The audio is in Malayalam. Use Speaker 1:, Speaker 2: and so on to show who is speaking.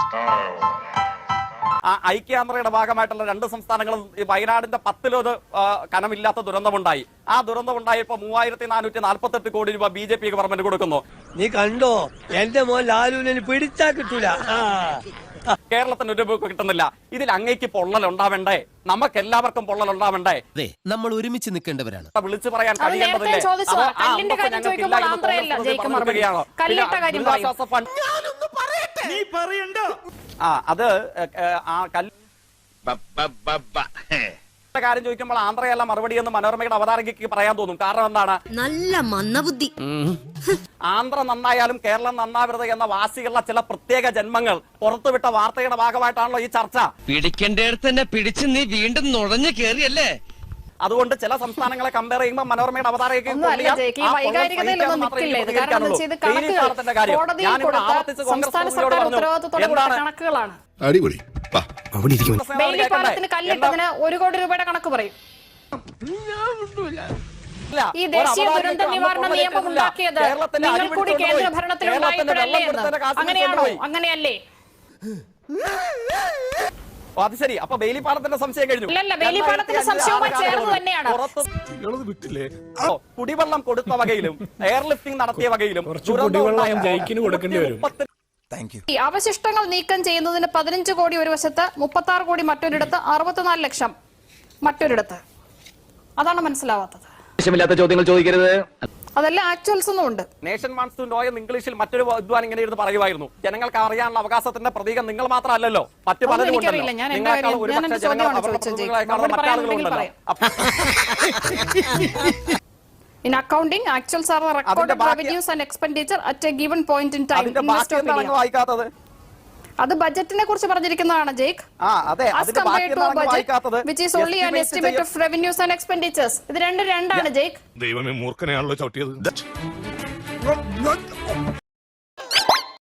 Speaker 1: ഐക്യാന്ത്രയുടെ ഭാഗമായിട്ടുള്ള 2 സംസ്ഥാനങ്ങളും വയനാടിന്റെ 10 കനമില്ലാത്ത ദുരന്തമുണ്ടായി. ആ ദുരന്തമുണ്ടായപ്പോ 3448 കോടി രൂപ BJP ഗവൺമെന്റ് കൊടുക്കുന്നു.
Speaker 2: നീ കണ്ടോ എന്റെ മോൻ ലാലുവിനെ പിടിച്ചാ കിട്ടൂല.
Speaker 1: കേരളത്തിന് ഒരു രൂപ കിട്ടുന്നില്ല. ഇതിൽ അങ്ങേക്ക് പൊള്ളൽ ഉണ്ടാവണ്ടേ? നമുക്ക് എല്ലാവർക്കും പൊള്ളൽ ഉണ്ടാവണ്ടേ?
Speaker 3: നമ്മൾ ഒരുമിച്ച് നിൽക്കേണ്ടവരാണ്.
Speaker 1: വിളിച്ചു പറയാൻ കഴിയേണ്ടതില്ലേ? കാര്യം ചോദിക്കുമ്പോൾ ആന്ധ്രയല്ല മറുപടി എന്ന് മനോരമയുടെ അവതാരകയ്ക്ക് പറയാൻ തോന്നും. കാരണം എന്താണ്?
Speaker 4: നല്ല മന്ദബുദ്ധി.
Speaker 1: ആന്ധ്ര നന്നായാലും കേരളം നന്നാവരുത് എന്ന വാശിയുള്ള ചില പ്രത്യേക ജന്മങ്ങൾ പുറത്തുവിട്ട വാർത്തയുടെ ഭാഗമായിട്ടാണല്ലോ ഈ ചർച്ച.
Speaker 3: പിടിക്കേണ്ടടുത്ത് തന്നെ പിടിച്ച് നീ വീണ്ടും നുഴഞ്ഞു കേറിയല്ലേ?
Speaker 1: അതുകൊണ്ട് ചില സംസ്ഥാനങ്ങളെ കമ്പയർ ചെയ്യുമ്പോൾ മനോരമയുടെ അവതാരകയ്ക്ക്
Speaker 5: കല്ലിട്ടതിന് 1 കോടി രൂപയുടെ കണക്ക് പറയും. ഈ ദേശീയ ദുരന്ത നിവാരണ നിയമം ഉണ്ടാക്കിയത് നിങ്ങൾ കൂടി കേന്ദ്ര ഭരണത്തിലുണ്ടായപ്പോഴല്ലേ എന്ന്. അങ്ങനെയാണോ? അങ്ങനെയല്ലേ?
Speaker 1: അത് ശരി. അപ്പൊ ബെയിലിപ്പാലത്തിന്റെ സംശയം കഴിഞ്ഞു.
Speaker 5: ബെയിലിപ്പാലത്തിന്റെ സംശയവുമായി ചേർന്ന് തന്നെയാണ്.
Speaker 1: കുടിവെള്ളം കൊടുത്ത വകയിലും എയർലിഫ്റ്റിംഗ് നടത്തിയ വകയിലും
Speaker 5: അവശിഷ്ടങ്ങൾ നീക്കം ചെയ്യുന്നതിന് 15 കോടി ഒരു വശത്ത്, 36 കോടി മറ്റൊരിടത്ത്, 64 ലക്ഷം മറ്റൊരിടത്ത്. അതാണ് മനസ്സിലാവാത്തത്.
Speaker 1: ചോദ്യങ്ങൾ ചോദിക്കരുത്.
Speaker 5: അതെല്ലാം ആക്ച്വൽസ് ഒന്നും ഉണ്ട്.
Speaker 1: നേഷൻ വാണ്ട്സ് ടു നോ എന്ന് ഇംഗ്ലീഷിൽ മറ്റൊരു വിദ്വാൻ ഇങ്ങനെ ഇരുന്ന് പറയുമായിരുന്നു. ജനങ്ങൾക്ക് അറിയാനുള്ള അവകാശത്തിന്റെ പ്രതീകം നിങ്ങൾ മാത്രമല്ലല്ലോ, മറ്റു പലരും ഉണ്ടല്ലോ.
Speaker 5: In accounting, actuals are recorded revenues and expenditure at a given point in time. അത് ബജറ്റിനെ കുറിച്ച് പറഞ്ഞിരിക്കുന്നതാണ് Jake. As compared to a budget which is only an estimate of revenues and expenditures. ഇത് രണ്ടാണ് ജേക്ക്.
Speaker 6: ദൈവമേ, മൂർഖനെയാണല്ലോ ചവിട്ടിയത്.